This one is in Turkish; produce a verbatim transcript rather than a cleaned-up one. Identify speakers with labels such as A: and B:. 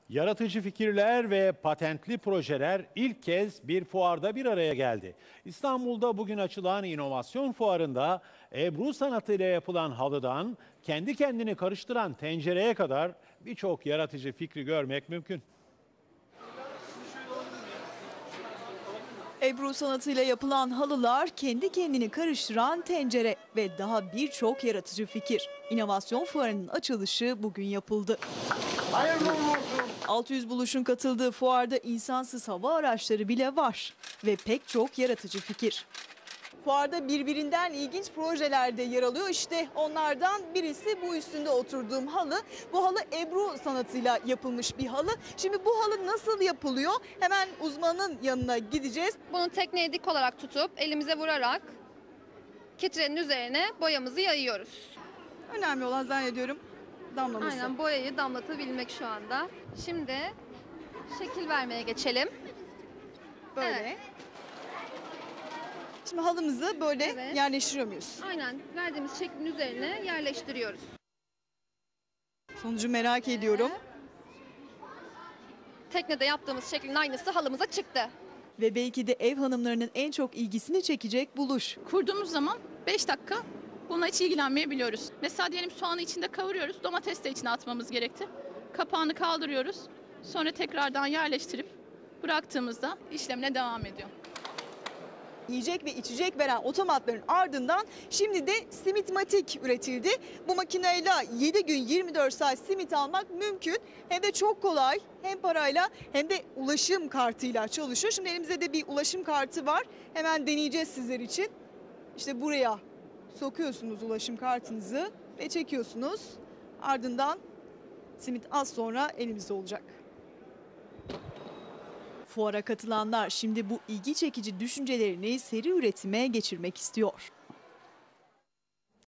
A: Yaratıcı fikirler ve patentli projeler ilk kez bir fuarda bir araya geldi. İstanbul'da bugün açılan inovasyon fuarında Ebru sanatıyla yapılan halıdan kendi kendini karıştıran tencereye kadar birçok yaratıcı fikri görmek mümkün.
B: Ebru sanatıyla yapılan halılar, kendi kendini karıştıran tencere ve daha birçok yaratıcı fikir. İnovasyon fuarının açılışı bugün yapıldı. altı yüz buluşun katıldığı fuarda insansız hava araçları bile var ve pek çok yaratıcı fikir. Fuarda birbirinden ilginç projeler de yer alıyor. İşte onlardan birisi bu üstünde oturduğum halı. Bu halı Ebru sanatıyla yapılmış bir halı. Şimdi bu halı nasıl yapılıyor? Hemen uzmanın yanına gideceğiz.
C: Bunu tekneye dik olarak tutup elimize vurarak kitrenin üzerine boyamızı yayıyoruz.
B: Önemli olan zannediyorum damlaması.
C: Aynen, boyayı damlatabilmek şu anda. Şimdi şekil vermeye geçelim.
B: Böyle.
C: Evet.
B: Şimdi halımızı böyle
C: Evet.
B: yerleştiriyor muyuz?
C: Aynen, verdiğimiz şeklin üzerine yerleştiriyoruz.
B: Sonucu merak ediyorum.
C: Teknede yaptığımız şeklin aynısı halımıza çıktı.
B: Ve belki de ev hanımlarının en çok ilgisini çekecek buluş.
D: Kurduğumuz zaman beş dakika bununla hiç ilgilenmeyebiliyoruz. Mesela diyelim soğanı içinde kavuruyoruz, domates de içine atmamız gerekti. Kapağını kaldırıyoruz, sonra tekrardan yerleştirip bıraktığımızda işlemine devam ediyor.
B: Yiyecek ve içecek veren otomatların ardından şimdi de Simitmatik üretildi. Bu makineyle yedi gün yirmi dört saat simit almak mümkün. Hem de çok kolay, hem parayla hem de ulaşım kartıyla çalışıyor. Şimdi elimizde de bir ulaşım kartı var. Hemen deneyeceğiz sizler için. İşte buraya sokuyorsunuz ulaşım kartınızı ve çekiyorsunuz. Ardından simit az sonra elimizde olacak. Fuara katılanlar şimdi bu ilgi çekici düşüncelerini seri üretime geçirmek istiyor.